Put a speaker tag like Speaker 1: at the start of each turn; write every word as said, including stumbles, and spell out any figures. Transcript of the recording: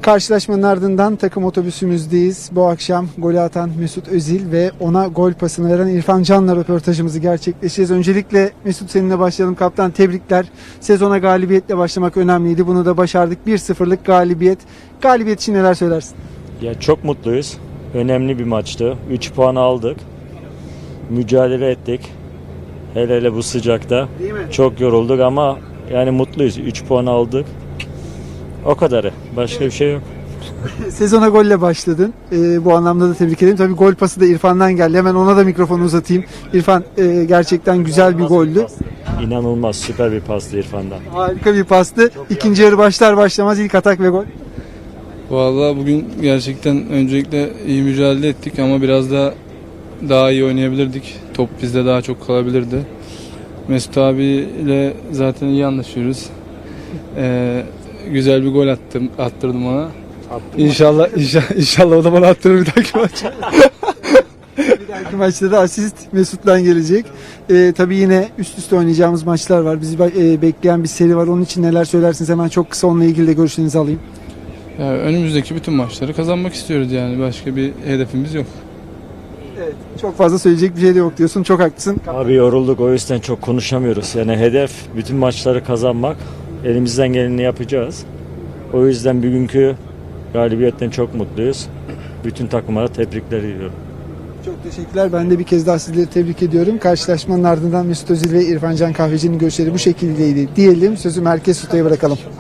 Speaker 1: Karşılaşmanın ardından takım otobüsümüzdeyiz. Bu akşam golü atan Mesut Özil ve ona gol pasını veren İrfan Can'la röportajımızı gerçekleştireceğiz. Öncelikle Mesut, seninle başlayalım. Kaptan, tebrikler. Sezona galibiyetle başlamak önemliydi. Bunu da başardık. bir sıfırlık galibiyet. Galibiyet için neler söylersin?
Speaker 2: Ya çok mutluyuz. Önemli bir maçtı. üç puan aldık. Mücadele ettik. Hele hele bu sıcakta.
Speaker 1: Değil mi?
Speaker 2: Çok yorulduk ama yani mutluyuz. üç puan aldık. O kadarı. Başka bir şey yok.
Speaker 1: Sezona golle başladın. Ee, bu anlamda da tebrik ederim. Tabii gol pası da İrfan'dan geldi. Hemen ona da mikrofonu uzatayım. İrfan, e, gerçekten güzel bir goldü.
Speaker 2: İnanılmaz süper bir pastı İrfan'dan.
Speaker 1: Harika bir pastı. İkinci yarı başlar başlamaz ilk atak ve gol.
Speaker 3: Vallahi bugün gerçekten öncelikle iyi mücadele ettik ama biraz da daha iyi oynayabilirdik. Top bizde daha çok kalabilirdi. Mesut abiyle zaten iyi anlaşıyoruz. Ee, güzel bir gol attım, attırdım ona. İnşallah, inşallah, inşallah o da bana attırır bir dahaki maç.
Speaker 1: Bir dahaki maçta da asist Mesut'tan gelecek. Ee, tabii yine üst üste oynayacağımız maçlar var. Bizi e, bekleyen bir seri var. Onun için neler söylersiniz? Hemen çok kısa onunla ilgili de görüşlerinizi alayım.
Speaker 3: Yani önümüzdeki bütün maçları kazanmak istiyoruz yani. Başka bir hedefimiz yok.
Speaker 1: Evet, çok fazla söyleyecek bir şey de yok diyorsun. Çok haklısın.
Speaker 2: Abi yorulduk, o yüzden çok konuşamıyoruz. Yani hedef bütün maçları kazanmak. Elimizden geleni yapacağız. O yüzden bugünkü galibiyetten çok mutluyuz. Bütün takımlara tebrikler ediyorum.
Speaker 1: Çok teşekkürler. Ben de bir kez daha sizleri tebrik ediyorum. Karşılaşmanın ardından Mesut Özil ve İrfan Can Kahveci'nin görüşleri bu şekildeydi diyelim. Sözü Merkez Tuta'ya bırakalım.